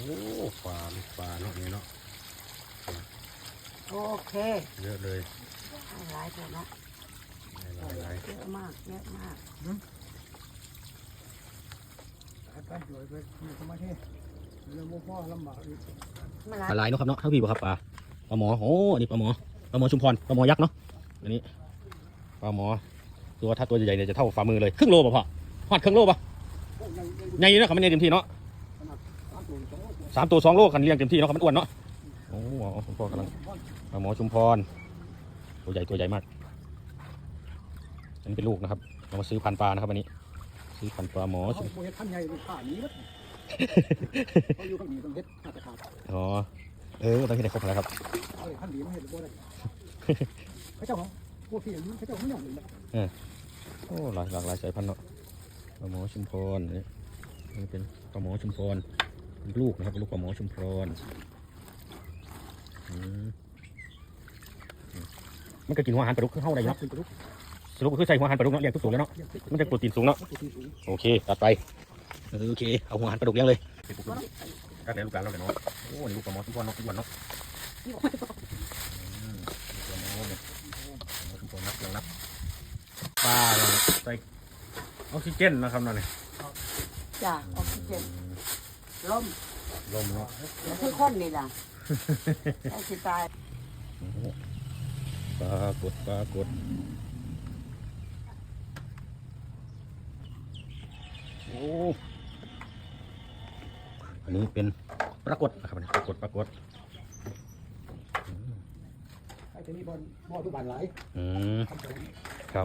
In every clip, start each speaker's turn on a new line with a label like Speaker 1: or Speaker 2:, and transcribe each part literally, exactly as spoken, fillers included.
Speaker 1: โอ้ปลาลูกปลาเนาะนี่เนาะ
Speaker 2: โอเค
Speaker 1: เยอะเลย
Speaker 2: หลายตัวนะ
Speaker 1: หลาย
Speaker 2: เยอะมากเยอะมาก
Speaker 3: ไปโดยไปมีสมาธิเรื่องพ่อลำบากอีก
Speaker 1: ปลาลายเนาะครับเนาะเท่าพี่บ่ครับปลาปลาหมอโอ้อันนี้ปลาหมอปลาหมอชุมพรปลาหมอยักษ์เนาะอันนี้ปลาหมอตัวถ้าตัวใหญ่ๆเนี่ยจะเท่าฝ่ามือเลยครึ่งโลป่ะพ่อหอดครึ่งโลป่ะใหญ่เนาะครับมันใหญ่เต็มที่เนาะสามตัวสองโลกันเลี้ยงเต็มที่เนาะครับมันอ้วนเนาะโอ้คุณพ่อกำลังปลาหมอชุมพรตัวใหญ่ตัวใหญ่มากอันนี้เป็นลูกนะครับเรามาซื้อพันธุ์ปลานะครับวันนี้ซื้อพันธุ์ปลาหมอชุมพร
Speaker 3: ท่านใหญ่ขาหนีมั้ยเขาอยู่ข้างนี้ต้องเฮ็ดมาตรฐาน
Speaker 1: อ๋อเออต้องเห็นได้ครบแล้วครับ
Speaker 3: ท่านหนีมาเห็นบ่ได้เขาเจ้าของพวกพี่อายุเขาเจ้าไม่ยอมเลย
Speaker 1: เออโอ้หลากหลากหลายสายพันธุ์เนาะปลาหมอชุมพรนี่นี่เป็นปลาหมอชุมพรลูกนะครับลูกปลาหมอชุมพรมันก็กินหัวอาหารปลาดุกเข้าได้เนาะสรุปคือใส่หัวอาหารปลาดุกเนาะเลี้ยงทุกตัวแล้วเนาะมันจะโปรตีนสูงเนาะโอเคตัดไปโอเคเอาหัวอาหารปลาดุกเลี้ยงเลยก็ได้ลูกหลานเราเลยเนาะโอ้นี่ลูกปลาหมอชุมพรเนาะทุกวันเนาะลูกปลาหมอเนี่ยชุมพรนับยังนับปลาใส่ออกซิเจนนะครับนั่นนี่
Speaker 2: จ้าออกซิเจนลม
Speaker 1: ลมเนาะ
Speaker 2: คือคนนี่ล่ะไอ้สิตาย
Speaker 1: ปลากดปลากดโอ้อันนี้เป็นปลากดนะครับปลากดปลากด
Speaker 3: ไอ้ที่นี่บอลบอลทุกบ้านหลาย
Speaker 1: อืมครับ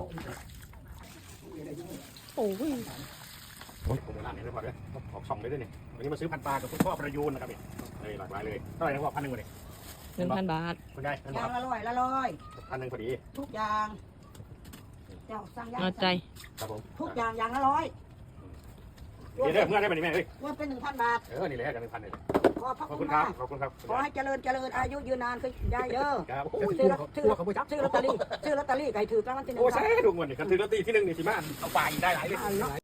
Speaker 2: โอ้ย
Speaker 1: โอ้ยโบราณเนี่ยพอเลยออกช่องเลยด้วยนี่วันนี้มาซื้อพันปลากับคุณพ่อประยูนนะครับนี่เลยหลากหลายเลยเท่าไหร่นะพ่อพันหนึ่งวันนี้
Speaker 4: หนึ่งพันบาท
Speaker 1: คุณยาย
Speaker 2: ยางละร้อยละร้อย
Speaker 1: พันหนึ่งพอดี
Speaker 2: ทุกอย่างเจ้าสั่งยาง
Speaker 4: เอาใจ
Speaker 1: ครับผม
Speaker 2: ทุกอย่างอย่างละร้อย
Speaker 1: เดี๋ยวเมื่อได้ไหมนี่แม่เฮ้ย
Speaker 2: รวมเป็นหนึ่งพันบาท
Speaker 1: เออนี่เลยกันหนึ่งพันเลย
Speaker 2: ขอบ
Speaker 1: คุณครับขอบคุณครับ
Speaker 2: ขอให้เจริญเจริญอายุยืนนานคือได้เด้อ
Speaker 1: ซื้อ
Speaker 2: ซื้อซื้อลอตเตอรี่ซื้อลอตเตอรี่ไก่ถือกลางวันที่หนึ่ง
Speaker 1: โอ้ใช่ดูเงินนี่กันถือลอตเตอรี่ที่หนึ่งนี่สิมาเอาไปได้หลายเลย